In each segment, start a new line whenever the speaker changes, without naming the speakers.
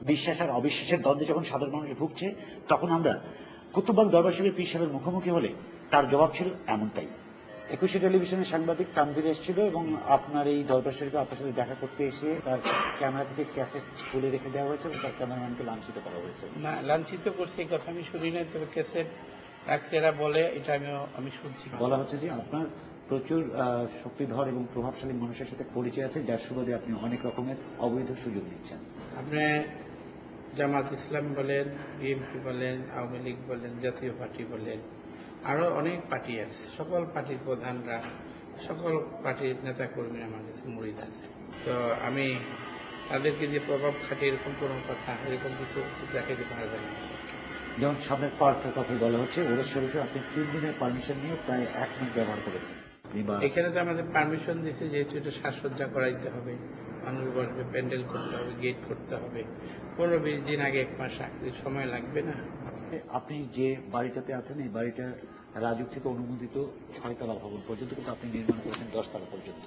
বিশ্বাস আর অবিশ্বাসের দ্বন্দ্বে যখন সাধারণ মানুষ ভুগছে, তখন আমরা কুতুববাগ দরবার শরীফের পীর সাহেবের মুখোমুখি হলে তার জবাব ছিল এমনটাই। একুশে টেলিভিশনের সাংবাদিক তানভীর এসেছিল এবং আপনার এই দরবার শরীফে আপনার সাথে দেখা করতে এসে তার ক্যামেরা থেকে ক্যাসেট খুলে রেখে দেওয়া হয়েছে এবং তার ক্যামেরাম্যানকে লাঞ্ছিত করা হয়েছে।
না, লাঞ্ছিত করছে এই কথা আমি শুনি না, তবে ক্যাসেট রাখছে এরা বলে, এটা আমি শুনছি।
বলা হচ্ছে যে আপনার প্রচুর শক্তিধর এবং প্রভাবশালী মানুষের সাথে পরিচয় আছে, যার সুবাদে আপনি অনেক রকমের অবৈধ সুযোগ নিচ্ছেন।
আপনি জামাত ইসলাম বলেন, বিএনপি বলেন, আওয়ামী লীগ বলেন, জাতীয় পার্টি বলেন, আরো অনেক পার্টি আছে, সকল পার্টির প্রধানরা, সকল পার্টির নেতা কর্মীরা আমার কাছে মুরিদ আছে। তো আমি তাদেরকে যে প্রভাব খাটে এরকম কোনো কথা, এরকম কিছু দেখাতে পারবে না।
যেমন সামনের পার্কের কথা বলা হচ্ছে, ওরস শরীফে আপনি 3 দিনের পারমিশন নিয়ে প্রায় 1 মিনিট ব্যবহার করেছেন।
এখানে তো আমাদের পারমিশন দিচ্ছে, যেহেতু এটা সাজসজ্জা করাইতে হবে, মানুষ বসবে, প্যান্ডেল করতে হবে, গেট করতে হবে, 15-20 দিন আগে, 1 মাস আগে সময় লাগবে না।
আপনি যে বাড়িটাতে আছেন, এই বাড়িটা রাজুক থেকে অনুমোদিত 6 তলা ভবন পর্যন্ত, কিন্তু আপনি নির্মাণ করেছেন 10 তলা পর্যন্ত।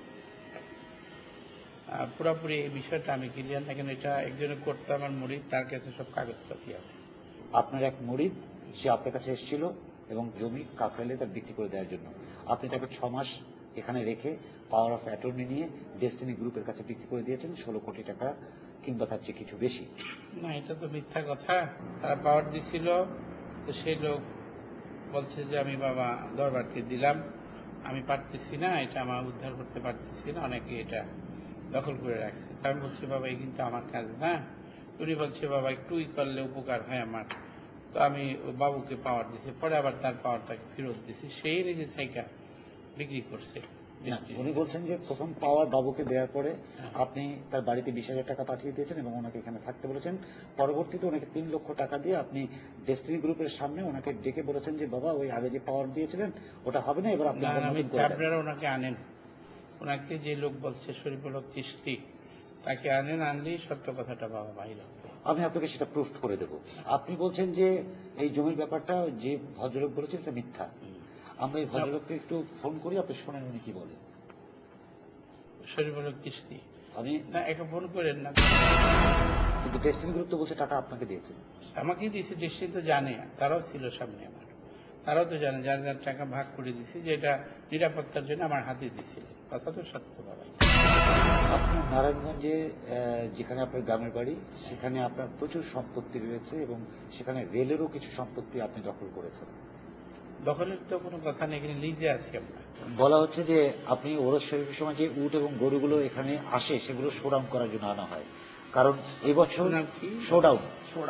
পুরোপুরি এই বিষয়টা আমি ক্লিয়ার না, কেন এটা একজনের করতে আমার মুরিদ, তার কাছে সব কাগজপাতি আছে।
আপনার এক মুরিদ, সে আপনার কাছে এসেছিল এবং জমি কাকরাইলে তার বিক্রি করে দেওয়ার জন্য আপনি তাকে 6 মাস এখানে রেখে পাওয়ার অফ অ্যাটর্নি নিয়ে ডেস্টিনি গ্রুপের কাছে বিক্রি করে দিয়েছেন 16 কোটি টাকা, কিংবা তার চেয়ে কিছু বেশি।
না, এটা তো মিথ্যা কথা। তারা পাওয়ার দিছিল, তো সেই লোক বলছে যে আমি বাবা দরবারকে দিলাম, আমি পারতেছি না, এটা আমার উদ্ধার করতে পারতেছি না, অনেকে এটা দখল করে রাখছে। আমি বলছি বাবা এই কিন্তু আমার কাজ না। উনি বলছে বাবা একটুই করলে উপকার হয় আমার। তো আমি বাবুকে পাওয়ার দিছি, পরে আবার তার পাওয়ারটাকে ফেরত দিছি, সেই নিজে থেকে বিক্রি করছে।
উনি বলছেন যে প্রথম পাওয়ার বাবুকে দেওয়ার পরে আপনি তার বাড়িতে 20,000 টাকা পাঠিয়ে দিয়েছেন এবং ওনাকে এখানে থাকতে বলেছেন। পরবর্তীতে ওনাকে 3 লক্ষ টাকা দিয়ে আপনি ডেস্টিনি গ্রুপের সামনে ওনাকে ডেকে বলেছেন যে বাবা ওই আগে যে পাওয়ার দিয়েছিলেন ওটা হবে না, এবার আপনি
আপনারা ওনাকে আনেন, ওনাকে যে লোক বলছে শরীফুল হক চিশতি, তাকে আনেন, আনলেই সত্য কথাটা বাবা বাইরে হবে।
আমি আপনাকে সেটা প্রুফ করে দেব। আপনি বলছেন যে এই জমির ব্যাপারটা যে ভদ্রলোক বলেছেন এটা মিথ্যা। আমরা এই ভদ্রলোককে একটু ফোন করি, আপনি শোনেন উনি কি বলে।
শরীফুল হক চিশতি,
আমি
না একে ফোন করেন না।
কিন্তু ডেস্টিনি গ্রুপ তো বলছে টাকা আপনাকে দিয়েছে।
আমাকে দিয়েছে, ডেস্টিনি তো জানে, তারাও ছিল সামনে আমার, তারাও তো জানে, যার যার টাকা ভাগ করে দিছি, যে এটা নিরাপত্তার জন্য আমার হাতে দিছিল। কথা তো সত্য বাবা।
আপনার নারায়ণগঞ্জে যেখানে আপনার গ্রামের বাড়ি, সেখানে আপনার প্রচুর সম্পত্তি রয়েছে এবং সেখানে রেলেরও কিছু সম্পত্তি আপনি দখল করেছেন।
দখলের তো কোনো কথা নেই, এখানে লিজে আছি আমরা।
বলা হচ্ছে যে আপনি ওরস শরীফের সময় যে উট এবং গরুগুলো এখানে আসে সেগুলো শোডাউন করার জন্য আনা হয়, কারণ এবছর শোডাউন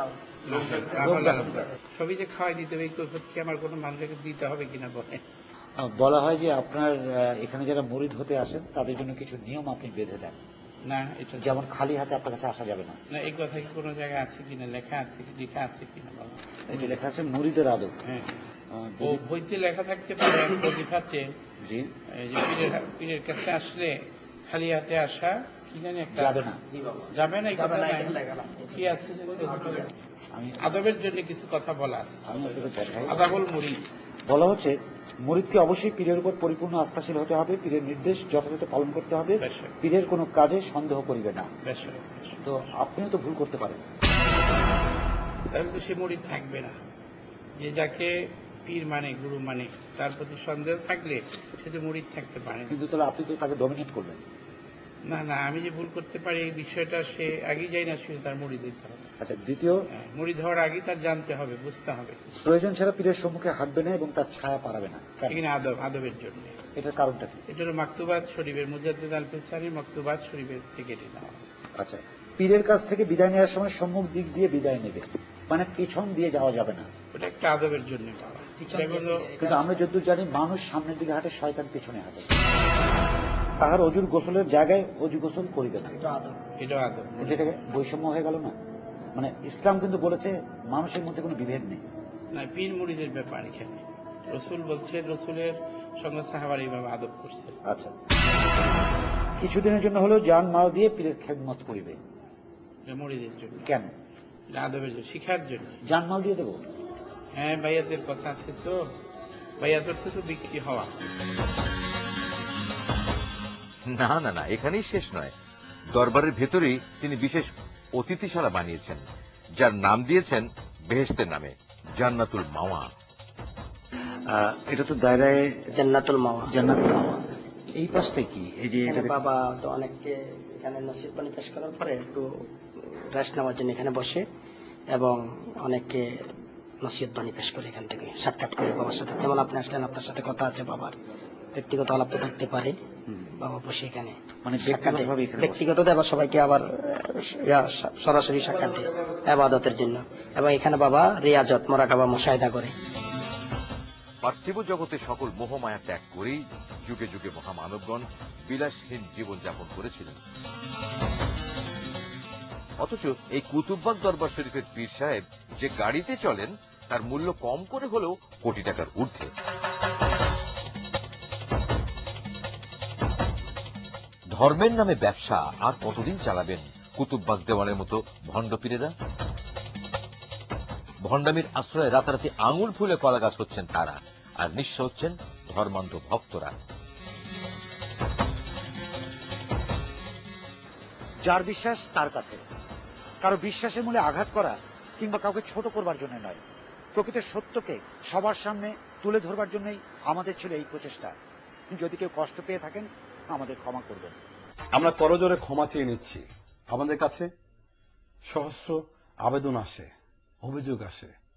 সবই যে খাওয়াই দিতে হবে কি আমার কোনো মানুষকে দিতে হবে কিনা বলে।
বলা হয় যে আপনার এখানে যারা মুরিদ হতে আসেন তাদের জন্য কিছু নিয়ম আপনি বেঁধে দেন।
না, এটা
যেমন খালি হাতে আপনার কাছে আসা যাবে না।
না, এই কথা কি কোনো জায়গায় আছে কিনা, লেখা আছে কিনা বলো।
এটা লেখা আছে মুরিদের আদব।
হ্যাঁ, ও বইতে লেখা থাকতে পারে, প্রতিভাতে
জি,
পীরের কাছে আসলে খালি হাতে আসা কি জানি একটা
যাবে না,
যাবে না, কি আছে আদবের জন্য কিছু কথা বলা আছে।
আমি আপনাকে দেখাই।
আদাবুল মুরিদ
বলা হচ্ছে মুরিদকে অবশ্যই পীরের উপর পরিপূর্ণ আস্থাশীল হতে হবে, পীরের নির্দেশ যথাযথ পালন করতে হবে, পীরের কোনো কাজে সন্দেহ করিবে না। তো আপনিও তো ভুল করতে পারেন,
তাহলে তো সে মুরিদ থাকবে না। যে যাকে পীর মানে, গুরু মানে, তার প্রতি সন্দেহ থাকলে সে তো মুরিদ থাকতে পারে।
কিন্তু তাহলে আপনি তো তাকে ডমিনেট করবেন।
না না, আমি যে ভুল করতে পারি এই বিষয়টা সে আগেই যাই না, শুধু তার মুরিদ হইতে হবে।
আচ্ছা, দ্বিতীয়,
মুরিদ হওয়ার আগে তার জানতে হবে, বুঝতে হবে।
প্রয়োজন ছাড়া পীরের সম্মুখে হাঁটবে না এবং তার ছায়া পারাবে না।
এখানে আদবের জন্য।
এটার কারণটা কি?
এটা হলো মাকতুবাত শরীফের, মুজাদ্দিদ আল ফিসারির মাকতুবাত শরীফের থেকে নেওয়া।
আচ্ছা, পীরের কাছ থেকে বিদায় নেওয়ার সময় সম্মুখ দিক দিয়ে বিদায় নেবে, মানে পিছন দিয়ে যাওয়া যাবে না।
ওটা একটা আদবের জন্য পাওয়া।
কিন্তু আমরা যতদূর জানি মানুষ সামনের দিকে হাঁটে, শয়তান পিছনে হাঁটে। তাহার অজুর গোসলের জায়গায় অজু গোসল করিবে না,
এটা আদব।
এটাকে বৈষম্য হয়ে গেল না? মানে ইসলাম কিন্তু বলেছে মানুষের মধ্যে কোনো বিভেদ নেই।
না, পীর মুরিদের ব্যাপার এখানে রসুল বলছে, রসুলের সঙ্গে সাহাবার এইভাবে আদব করছে।
আচ্ছা, কিছুদিনের জন্য হলেও জান মাল দিয়ে পীরের খেদমত করিবে,
মুরিদের জন্য।
কেন?
আদবের জন্য, শিখার জন্য।
জান মাল দিয়ে দেবো?
হ্যাঁ, বাইয়াতের কথা আছে তো, বাইয়াতের তো বিক্রি হওয়া।
না না না, এখানেই শেষ নয়, দরবারের ভেতরেই তিনি বিশেষ অতিথিশালা বানিয়েছেন, যার নাম দিয়েছেন বেহেশতের নামে, জান্নাতুল মাওয়া।
এটা তো দায়রায়
জান্নাতুল মাওয়া।
জান্নাতুল মাওয়া। এই পাশটা কি? এই যে
এখানে
এটা
বাবা তো অনেককে এখানে নসিব পানি পেশ করার পরে একটু রেস্ট নেওয়ার জন্য এখানে বসে, এবং অনেককে নসিহত বাণী পেশ করে এখান থেকে সাক্ষাৎ করে বাবার সাথে। যেমন আপনি আসলেন, আপনার সাথে কথা আছে, বাবার ব্যক্তিগত আলাপ থাকতে পারে, বাবা বসে এখানে
মানে
সাক্ষাৎ দেয়।
ব্যক্তিগতভাবে এখানে
ব্যক্তিগত আবার সবাইকে আবার সরাসরি সাক্ষাৎ দেয় ইবাদতের জন্য, এবং এখানে বাবা রিয়াজত মোরাকাবা মুশাহিদা করে।
পার্থিব জগতে সকল মোহমায়া ত্যাগ করেই যুগে যুগে মহামানবগণ বিলাসহীন জীবনযাপন করেছিলেন। অথচ এই কুতুববাগ দরবার শরীফের পীর সাহেব যে গাড়িতে চলেন তার মূল্য কম করে হলেও কোটি টাকার ঊর্ধ্বে। ধর্মের নামে ব্যবসা আর কতদিন চালাবেন কুতুববাগ দেওয়ানের মতো ভণ্ড পীরেরা? ভণ্ডামির আশ্রয়ে রাতারাতি আঙুল ফুলে কলা গাছ হচ্ছেন তারা, আর নিঃস্ব হচ্ছেন ধর্মান্ধ ভক্তরা।
যার বিশ্বাস তার কাছে, কারো বিশ্বাসের মূলে আঘাত করা কিংবা কাউকে ছোট করবার জন্য নয়, প্রকৃত সত্যকে সবার সামনে তুলে ধরবার জন্যই আমাদের ছিল এই প্রচেষ্টা। যদি কেউ কষ্ট পেয়ে থাকেন আমাদের ক্ষমা করবেন।
আমরা করজোরে ক্ষমা চেয়ে নিচ্ছি। আমাদের কাছে সহস্র আবেদন আসে, অভিযোগ আসে,